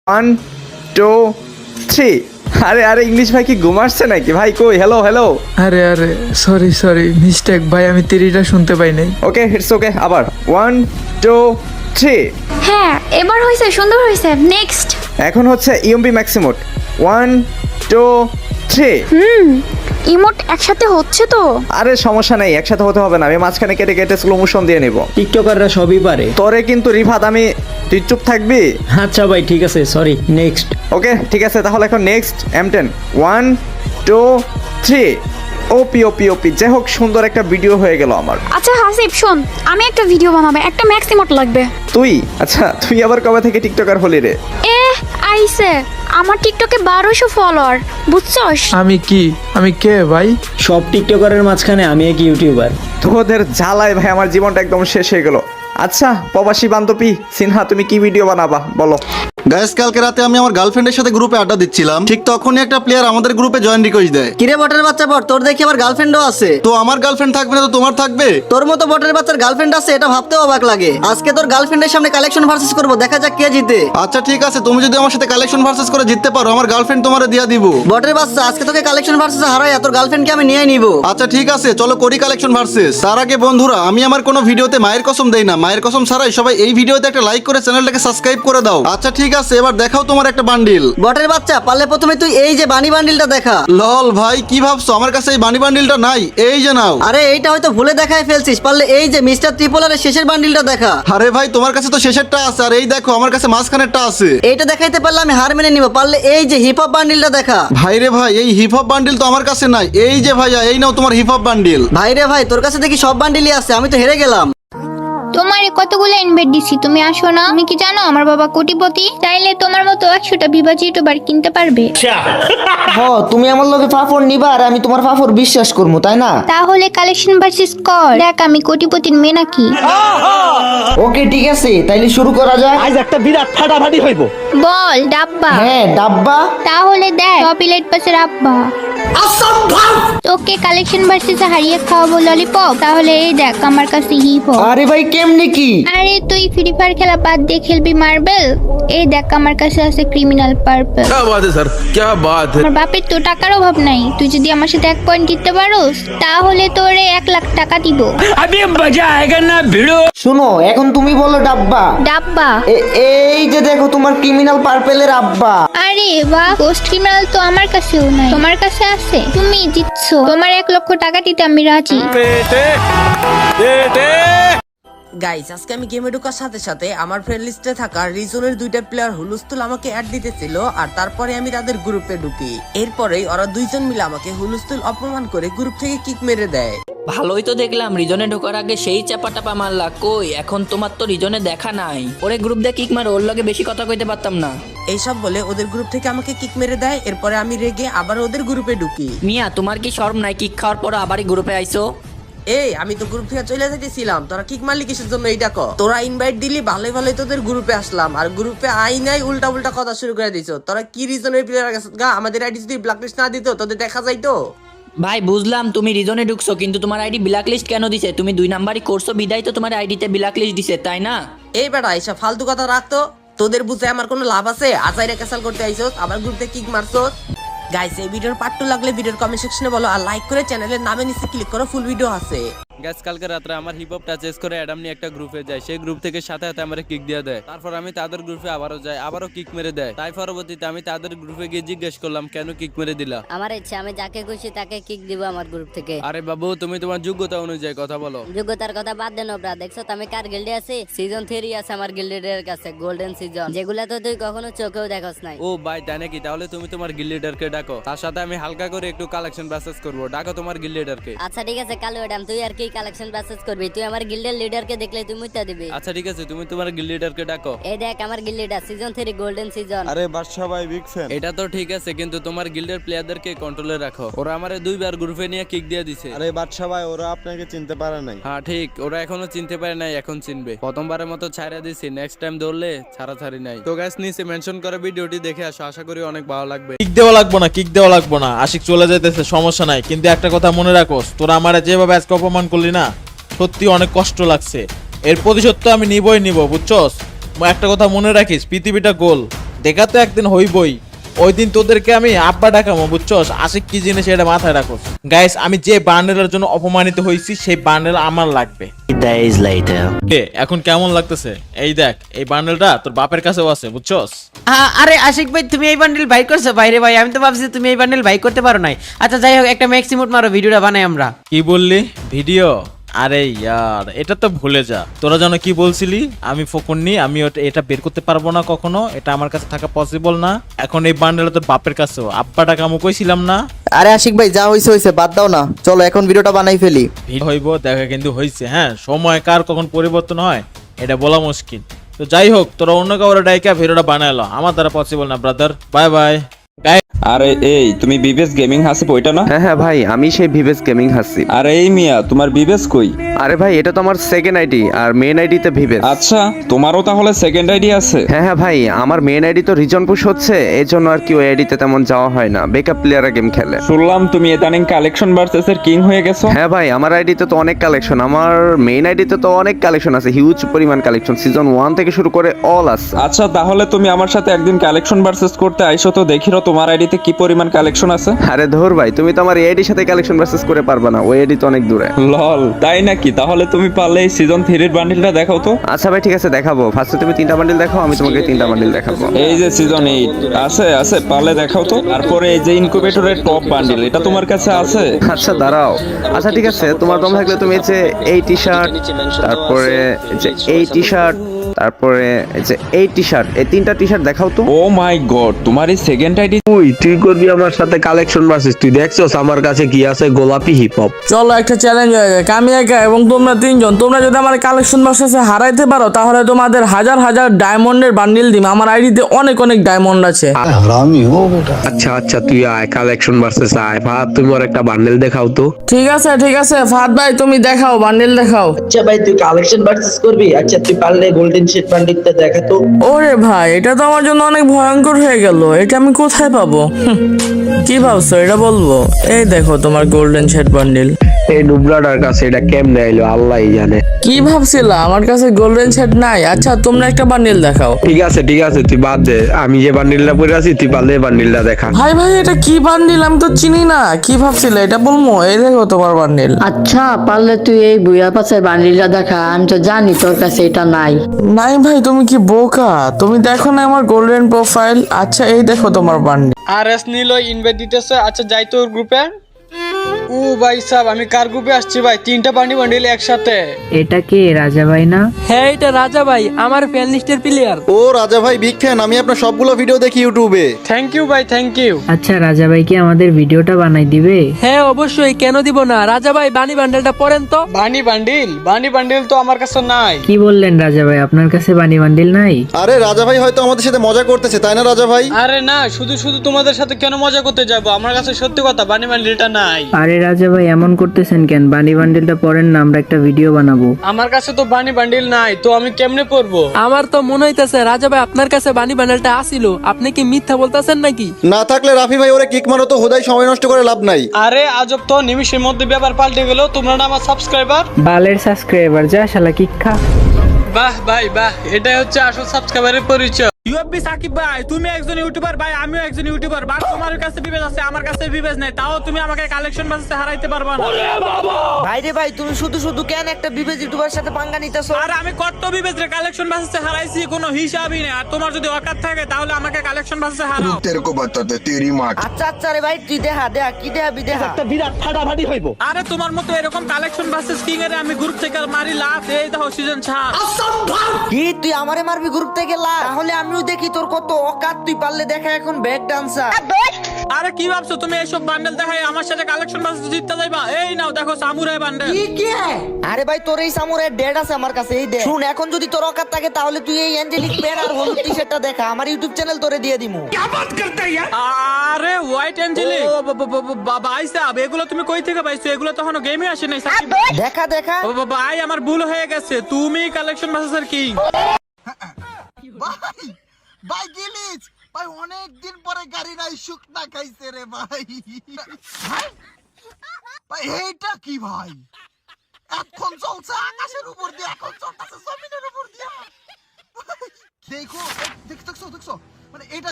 1 2 3। আরে আরে ইংলিশ ভাই কি ঘুমাচ্ছে নাকি ভাই? কই হ্যালো হ্যালো। আরে আরে সরি মিস্টেক ভাই, আমি তিরিটা শুনতে পাই নাই। ওকে ইটস ওকে, আবার 1 2 3। হ্যাঁ এবার হয়েছে, সুন্দর হয়েছে। নেক্সট। এখন হচ্ছে ইএমপি ম্যাক্সিমোড 1 2 3। ইমোট একসাথে হচ্ছে তো। আরে সমস্যা নেই, একসাথে হতে হবে না, আমি মাঝখানে কেটে কেটে স্লো মোশন দিয়ে নিব। টিকটকাররা সবই পারে। তোরে কিন্তু রিফাত আমি, তুই চুপ থাকবি? আচ্ছা ভাই ঠিক আছে, সরি। নেক্সট। ওকে ঠিক আছে, তাহলে এখন নেক্সট M10 1 2 3। ওপি ওপি ওপি, যাই হোক সুন্দর একটা ভিডিও হয়ে গেল আমার। আচ্ছা হাসিব শোন, আমি একটা ভিডিও বানাবো, একটা ম্যাক্স ইমোট লাগবে। তুই আচ্ছা তুই আবার কবে থেকে টিকটকার হলি রে? আইসে আমার টিকটকে 1200 ফলোয়ার, বুঝছস? আমি কে ভাই? সব টিকটকারের মাঝখানে আমি এক ইউটিউবার। তোদের জ্বালায় ভাই আমার জীবনটা একদম শেষ হয়ে গেল। আচ্ছা প্রবাসী বান্ধবী সিনহা, তুমি কি ভিডিও বানাবা বলো? গাইস, কালকে রাতে আমি আমার গার্লফ্রেন্ডের সাথে গ্রুপে আড্ডা দিচ্ছিলাম, ঠিক তখনই একটা প্লেয়ার আমাদের গ্রুপে জয়েন রিকোয়েস্ট দেয়। কিরে বটের বাচ্চা বট, তোর দেখি আবার গার্লফ্রেন্ডও আছে। তো আমার গার্লফ্রেন্ড থাকবে না তো তোমার থাকবে? তোর মতো বটের বাচ্চার গার্লফ্রেন্ড আছে এটা ভাবতেও অবাক লাগে। আজকে তোর গার্লফ্রেন্ডের সামনে কালেকশন ভার্সেস করব, দেখা যাক কে জিতে। আচ্ছা ঠিক আছে, তুমি যদি আমার সাথে কালেকশন ভার্সেস করে জিততে পারো, আমার গার্লফ্রেন্ড তোমারে দিয়া দিব। বটের বাচ্চা আজকে তোকে কালেকশন ভার্সেস হারাই, তোর গার্লফ্রেন্ডকে আমি নিয়ে নিব। আচ্ছা ঠিক আছে, চলো করি কালেকশন ভার্সেস। তার আগে বন্ধুরা, আমি আমার কোনো ভিডিওতে মায়ের কসম দেই না, মায়ের কসম ছাড়াই সবাই এই ভিডিওতে একটা লাইক করে চ্যানেলটাকে সাবস্ক্রাইব করে দাও। আচ্ছা ঠিক আছে, এবার দেখাও তোমার একটা বান্ডিল। বটের বাচ্চা পারলে প্রথমে তুই এই যে বানি বান্ডিলটা দেখা। লল ভাই, কি ভাবছো আমার কাছে এই বানি বান্ডিলটা নাই? এই যে নাও। আরে এইটা হয়তো ভুলে দেখায় ফেলছিস, পারলে এই যে মিস্টার ত্রিপোলারের শেষের বান্ডিলটা দেখা। আরে ভাই, তোমার কাছে তো শেষেরটা আছে, আর এই দেখো আমার কাছে মাঝখানেরটা আছে। এইটা দেখাইতে পারলে আমি হার মেনে নিব, পারলে এই যে হিপ হপ বান্ডিলটা দেখা। ভাই রে ভাই, এই হিপ হপ বান্ডিল তো আমার কাছে নাই। এই যে ভাইয়া, এই নাও তোমার হিপ হপ বান্ডিল। ভাই রে ভাই, তোর কাছে দেখি সব বান্ডিলই আছে, আমি তো হেরে গেলাম। তোমার কতগুলো ইনভাইট দিছি, তুমি আসো না? তুমি কি জানো আমার বাবা কোটিপতি? চাইলে তোমার মতো 100টা বিভাজি ইউটিউবার কিনতে পারবে। তুমি আমার লগে ফাফর নিবা আর আমি তোমার ফাফর বিশ্বাস করবো, তাই না? তাহলে কালেকশন ভার্সেস কর, দেখ আমি কোটিপতির মেয়ে নাকি। ওকে ঠিক আছে, তাইলে শুরু করা যাক। আজ একটা বিরাট ফাটাফাটি হইব। বল ডাব্বা। হ্যাঁ ডাব্বা। তাহলে দেখ টপিলেট পাশের আব্বা। তোকে কালেকশন ভার্সেস হারিয়ে খাওয়াবো ললিপপ। তাহলে এই দেখ আমার কাছে হিপ হপ। আরে ভাই কেমনে কি? আরে তুই ফ্রি ফায়ার খেলা বাদ দিয়ে খেলবি মার্বেল। এই দেখ আমার কাছে আছে ক্রিমিনাল পার্পল। क्या बात है सर, क्या बात है। আমার বাপের তো টাকার অভাব নাই, তুই যদি আমার সাথে 1 পয়েন্ট জিততে পারোস তাহলে তোরে 1 লাখ টাকা দিব। अभी मजा आएगा ना भिड़ो। শোনো, এখন তুমি বলো ডাব্বা। ডাব্বা। এই যে দেখো তোমার ক্রিমিনাল পার্পেলের আব্বা। আরে বাহ, গোস্ট ক্রিমিনাল তো আমার কাছেও নাই, তোমার কাছে আছে। তুমি জিতছো, তোমার 1 লক্ষ টাকা দিতে আমি রাজি। গাইস, আজকে আমি গেমে ঢোকার সাথে সাথে আমার ফ্রেন্ড লিস্টে থাকা রিজনের 2টা প্লেয়ার হুলস্থুল আমাকে অ্যাড দিতেছিল, আর তারপরে আমি তাদের গ্রুপে ঢুকি। এরপরেই ওরা 2জন মিলে আমাকে হুলস্থুল অপমান করে গ্রুপ থেকে কিক মেরে দেয়। ভালোই তো দেখলাম, রিজনে ঢোকার আগে সেই চাপা টাপা মারলা। কই এখন তোমার তো রিজনে দেখা নাই। ওরে গ্রুপ দিয়ে কিক মারো, ওর লগে বেশি কথা কইতে পারতাম না। এইসব বলে ওদের গ্রুপ থেকে আমাকে কিক মেরে দেয়। এরপরে আমি রেগে আবার ওদের গ্রুপে ঢুকি। মিয়া তোমার কি শরম নাই? কিক খাওয়ার পর আবারই গ্রুপে আইছো। এই আমি তো গ্রুপ থেকে চলে যেতেছিলাম, তোরা কিক মারলি কিসের জন্য এইটা ক? তোরা ইনভাইট দিলি, ভালোই ভালোই তোদের গ্রুপে আসলাম, আর গ্রুপে আই নাই উল্টা উল্টা কথা শুরু করে দিছো। তোরা কি রিজনের প্লেয়ার গেছ গা? আমাদের আইডি যদি ব্ল্যাকলিস্ট না দিত তোদের দেখা যাইতো। ভাই বুঝলাম তুমি রিজনে ঢুকছো, কিন্তু তোমার আইডি ব্ল্যাক লিস্ট কেন দিছে? তুমি 2 নাম্বারই করছো বিদায় তো তোমার আইডিতে ব্ল্যাক লিস্ট দিছে, তাই না? এই বেটা এইসব ফালতু কথা রাখতো, তোদের বুঝে আমার কোনো লাভ আছে? আজাইরে ক্যাসাল করতে আইছস, আবার গ্রুপে কিক মারছস। গাইস, এই ভিডিওর পার্ট 2 লাগলে ভিডিওর কমেন্ট সেকশনে বলো, আর লাইক করে চ্যানেলের নামে নিচে ক্লিক করো, ফুল ভিডিও আছে। গ্যাস, কালকে রাত্রে আমার হিপ হপ টাচেস করে অ্যাডাম নিয়ে একটা গ্রুপে যায়। সেই গ্রুপ থেকে সাথে সাথে আমার কিক দিয়ে দেয়। তারপর আমি তাদের গ্রুপে আবারও যাই, আবারও কিক মেরে দেয়। তাই পরবর্তীতে আমি তাদের গ্রুপে গিয়ে জিজ্ঞেস করলাম কেন কিক মেরে দিলা। আমার ইচ্ছা, আমি যাকে খুশি তাকে কিক দিব আমার গ্রুপ থেকে। আরে বাবু, তুমি তোমার যোগ্যতা অনুযায়ী কথা বলো। যোগ্যতার কথা বাদ দেন ব্রা, দেখছো তো আমি কার গিল্ডে আছি? সিজন 3 আছে আমার গিল্ডের কাছে, গোল্ডেন সিজন, যেগুলা তো তুই কখনো চোখেও দেখোস নাই। ও ভাই, তাই নাকি? তাহলে তুমি তোমার গিল্ড লিডারকে ডাকো, তার সাথে আমি হালকা করে একটু কালেকশন ব্যাসেস করবো। ডাকো তোমার গিল্ড লিডারকে। আচ্ছা ঠিক আছে, কালো ম্যাডাম তুই আর কি কালেকশন ব্যাসেস করবি? তুই আমার গিল্ডের লিডারকে দেখলে তুই মুইতা দিবি। আচ্ছা ঠিক আছে, তুমি তোমার গিল্ড লিডারকে ডাকো। এই দেখ আমার guild leader, season 3 golden season. আরে বাদশা ভাই, বিগ ফ্যান। এটা তো ঠিক আছে, কিন্তু তোমার গিল্ডের প্লেয়ারদেরকে কন্ট্রোলে রাখো। ওরা আমারে 2বার গ্রুপে নিয়ে কিক দিয়ে দিছে। আরে বাদশা ভাই, ওরা আপনাকে চিনতে পারে নাই। হ্যাঁ ঠিক, ওরা এখনো চিনতে পারে নাই, এখন চিনবে। প্রথমবারের মতো ছাড়া দিছি, নেক্সট টাইম ধরলে ছাড়াছাড়ি নাই। তো গাইস, নিচে মেনশন করে ভিডিওটি দেখে আসো, আশা করি অনেক ভালো লাগবে। কিক দেওয়া লাগবো না, আশিক চলে যাইতেছে, সমস্যা নাই। কিন্তু একটা কথা মনে রাখোস, তোরা আমারে যেভাবে আজকে অপমান করলি না, সত্যি অনেক কষ্ট লাগছে। এর প্রতিশোধ তো আমি নিবই নিব, বুঝছস? একটা কথা মনে রাখিস, পৃথিবীটা গোল, দেখা তো একদিন হইবই, ওই দিন তোদেরকে আমি আব্বা ডাকামো, বুঝছস? আশিক কি জিনিস এটা মাথায় রাখো। গাইস, আমি যে বান্ডেলের জন্য অপমানিত হয়েছি সেই বান্ডেল আমার লাগবে। এখন কেমন লাগতেছে? এই দেখ, এই বান্ডেলটা তোর বাপের কাছেও আছে, বুঝছস? আরে আশিক ভাই, তুমি এই বান্ডেল বাই করছো? বাইরে ভাই, আমি তো ভাবছি তুমি এই বান্ডেল বাই করতে পারো নাই। আচ্ছা যাই হোক, একটা ম্যাক্সিমোট মারো, ভিডিওটা বানাই আমরা। কি বললি? ভিডিও? আরে ইয়ার, এটা তো ভুলে যা। তোরা যেন কি বলছিলি আমি ফকুন্নি, আমি এটা বের করতে পারবো না কখনো, এটা আমার কাছে থাকা পসিবল না। এখন এই বান্ডেলটা তো বাপের কাছেও, আব্বাটা কামু কইছিলাম না? আরে আশিক ভাই, যা হইছে হইছে, বাদ দাও না, চলো এখন ভিডিওটা বানাই ফেলি। হইব দেখা কিন্তু হইছে। হ্যাঁ, সময় কার কখন পরিবর্তন হয় এটা বলা মুশকিল। তো যাই হোক, তোরা অন্য কাউরে ডাইকা ভিডিওটা বানাইলো, আমার দ্বারা পসিবল না ব্রাদার। Bye bye. আরে এই তুমি বিবেস গেমিং হাসিব ওইটা না? হ্যাঁ ভাই, আমি সেই ভিভেস গেমিং হাসি। আরে এই মিয়া, তোমার বিবেস কই? আরে ভাই, এটা তো আমার সেকেন্ড আইডি, আর মেন আইডিতে ভিভেস। আচ্ছা, তোমারও তাহলে সেকেন্ড আইডি আছে? হ্যাঁ ভাই, আমার মেন আইডি তো রিজন পুশ হচ্ছে, এই জন্য আর কি ওই আইডিতে তেমন যাওয়া হয় না, বেকআপ প্লেয়াররা গেম খেলে। শুনলাম তুমি ইদানিং কালেকশন ভার্সেস এর কিং হয়ে গেছো। হ্যাঁ ভাই, আমার আইডিতে তো অনেক কালেকশন, আমার মেইন আইডিতে তো অনেক কালেকশন আছে, হিউজ পরিমাণ কালেকশন, সিজন 1 থেকে শুরু করে অল আছে। আচ্ছা, তাহলে তুমি আমার সাথে একদিন কালেকশন ভার্সেস করতে আইসো, তো দেখিরো তোমার আইডিতে কি পরিমাণ কালেকশন আছে। আরে ধর ভাই, তুমি তো আমার এই আইডির সাথে কালেকশন ভার্সেস করে পারবে না, ওই আইডি তো অনেক দূরে। লল, তাই নাকি? তাহলে তুমি পারলে এই সিজন 3 এর বান্ডেলটা দেখাও তো। আচ্ছা ভাই, ঠিক আছে, দেখাবো। ফার্স্টে তুমি 3টা বান্ডেল দেখাও, আমি তোমাকে 3টা বান্ডেল দেখাবো। এই যে সিজন 8 আছে আছে, পারলে দেখাও তো। তারপরে এই যে ইনকিউবেটরের টপ বান্ডেল, এটা তোমার কাছে আছে? আচ্ছা দাঁড়াও, আচ্ছা ঠিক আছে, তোমার দম থাকলে তুমি এই যে এই টি শার্ট, তারপরে যে এই টি শার্ট, তারপরে এই যে এই টি শার্ট, এই 3টা টি শার্ট দেখাও তো। ও মাই গড, তোমার এই সেকেন্ড আইডি? তুই করবি আমার সাথে কালেকশন ভার্সেস? তুই দেখছস আমার কাছে কি আছে? গোলাপি হিপ হপ। চলো একটা চ্যালেঞ্জ হয়ে যায়, আমি একা এবং তোমরা 3জন, তোমরা যদি আমার কালেকশন ভার্সেসে হারাইতে পারো তাহলে তোমাদের হাজার হাজার ডায়মন্ডের বান্ডিল দিম। আমার আইডিতে অনেক অনেক ডায়মন্ড আছে। আচ্ছা আচ্ছা, তুই আয় কালেকশন ভার্সেস আয়। ভাত, তুমি ওর একটা বান্ডেল দেখাও তো। ঠিক আছে ফাহাদ ভাই, তুমি দেখাও, বান্ডিল দেখাও। আচ্ছা ভাই, তুই কালেকশন ভার্সেস করবি? আচ্ছা, তুই পারলে গোল্ডেন শেড বান্ডিলটা দেখা তো। ওরে ভাই, এটা তো আমার জন্য অনেক ভয়ঙ্কর হয়ে গেল, এটা আমি কোথায় পাবো? কি ভাবছো এটা বলবো? এই দেখো তোমার গোল্ডেন শেড বান্ডিল। এই নুবরাটার কাছে এটা কেমনে আইলো আল্লাহই জানে। কি ভাবছিলা আমার কাছে গোল্ডেন শেড নাই? আচ্ছা তোমরা একটা বান্ডিল দেখাও। ঠিক আছে তুই বাদ দে, আমি যে বান্ডিলটা পরে আছি তুই পারলে বান্ডিলটা দেখা। ভাই এটা কি বান্ডিল? আমি তো চিনি না, কি ভাবছিলে এটা বলবো? এই দেখো তোমার বান্ডিল। আচ্ছা পারলে তুই এই বুয়া পাশে বান্ডিলটা দেখা, আমি তো জানি তোর কাছে এটা নাই। নাই ভাই, তুমি কি বোকা? তুমি দেখো না আমার গোল্ডেন প্রোফাইল। আচ্ছা এই দেখো তোমার বান্ডিল। আরএস নীল ইনভাইট দিতেছে। আচ্ছা যাই তোর গ্রুপে। ও ভাই সাহেব, আমি কার গ্রুপে আসছি ভাই? 3টা বান্ডিল একসাথে। এটা কে রাজা ভাই না? হ্যাঁ, এটা রাজা ভাই, আমার ফ্যান লিস্টের প্লেয়ার। ও রাজা ভাই, বিগ ফ্যান, আমি আপনার সবগুলো ভিডিও দেখি ইউটিউবে। থ্যাংক ইউ ভাই, থ্যাংক ইউ। আচ্ছা রাজা ভাই কি আমাদের ভিডিওটা বানাই দিবে? হ্যাঁ অবশ্যই, কেন দিব না। রাজা ভাই বানি বান্ডেলটা পড়েন তো। বানি বান্ডিল তো আমার কাছে নাই। কি বললেন রাজা ভাই, আপনার কাছে বানি বান্ডিল নাই? আরে রাজা ভাই হয়তো আমাদের সাথে মজা করতেছে, তাই না রাজা ভাই? আরে না, শুধু তোমাদের সাথে কেন মজা করতে যাব? আমার কাছে সত্যি কথা, বানি বান্ডিলটা নাই। আরে রাজা ভাই এমন করতেছেন কেন? বানি বান্ডিলটা পড়েন না, আমরা একটা ভিডিও বানাবো। আমার কাছে তো বানি বান্ডিল নাই, তো আমি কেমনে পড়বো? আমার তো মনে হইতেছে রাজা ভাই আপনার কাছে বানি বান্ডিলটা আসিল। আপনি কি মিথ্যা বলতেছেন নাকি? না থাকলে রাফি ভাই ওরে কিক মারো তো, হুদাই সময় নষ্ট করে লাভ নাই। আরে আজব তো, নিমিশের মধ্যে ব্যাপার পাল্টে গেল। তোমরা না আমার সাবস্ক্রাইবার? বালের সাবস্ক্রাইবার, যা শালা কিক খা। বাহ ভাই বাহ, এটাই হচ্ছে আসল সাবস্ক্রাইবারের পরিচয়। ইউএফবি সাকিব ভাই, তুমি একজন ইউটিউবার ভাই, আমিও একজন ইউটিউবার। বাট তোমার কাছে বিবেজ আছে, আমার কাছে বিবেজ নাই, তাও তুমি আমাকে কালেকশন ভার্সেসে হারাইতে পারবা না। ভাই রে ভাই, তুমি শুধু কেন একটা বিবেজ ইউটিউবার সাথে পাঙ্গা নিতেছো? আর আমি কত বিবেজ রে কালেকশন ভার্সেসে হারাইছি, কোনো হিসাবই নেই। আর তোমার যদি অকাত থাকে তাহলে আমাকে কালেকশন ভার্সেসে হারাও। আচ্ছা রে ভাই, তুই দেখা কি দেখাবি দেখা। একটা বিরাট ফাটাফাটি হইব। আরে তোমার মতো এরকম কালেকশন ভার্সেস কিং এর আমি গ্রুপ থেকে মারি লাভ। এই দেখো সিজন 6। কি তুই আমারে মারবি গ্রুপ থেকে লাভ? তাহলে আমিও দেখি তোর কত অকাত, তুই পারলে দেখা এখন ব্যাক ডান্সার। আরে কি ভাবছো তুমি এইসব বান্ডেল দেখাই আমার সাথে কালেকশন ভার্সেস জিততে যাইবা? এই নাও দেখো সামুরাই বান্ডেল। কি আরে ভাই, তোর এই সামুরাই ডেড আছে আমার কাছে, এই দেখ। শুন, এখন যদি তোর অকাত থাকে তাহলে তুই এই অ্যাঞ্জেলিক পেন আর হলুদ টি-শার্টটা দেখা, আমার ইউটিউব চ্যানেল তোরে দিয়ে দিমু। কি বাত করতে ইয়ার? আরে হোয়াইট অ্যাঞ্জেলিক, ভাই সাহেব এগুলো তুমি কই থেকে পাইছো? এগুলো তো এখনো গেমে আসে নাই সাকিব। দেখা ভাই আমার ভুল হয়ে গেছে, তুমি কালেকশন ভার্সেস কিং। ভাই গিলিচ ভাই, অনেক দিন পরে গাড়ি নাই শুকনা খাইছে রে ভাই। ভাই এইটা কি ভাই? এখন চলছে আকাশের উপর দিয়ে, এখন চলতেছে জমিনের উপর দিয়ে। দেখো দেখছো মানে এটা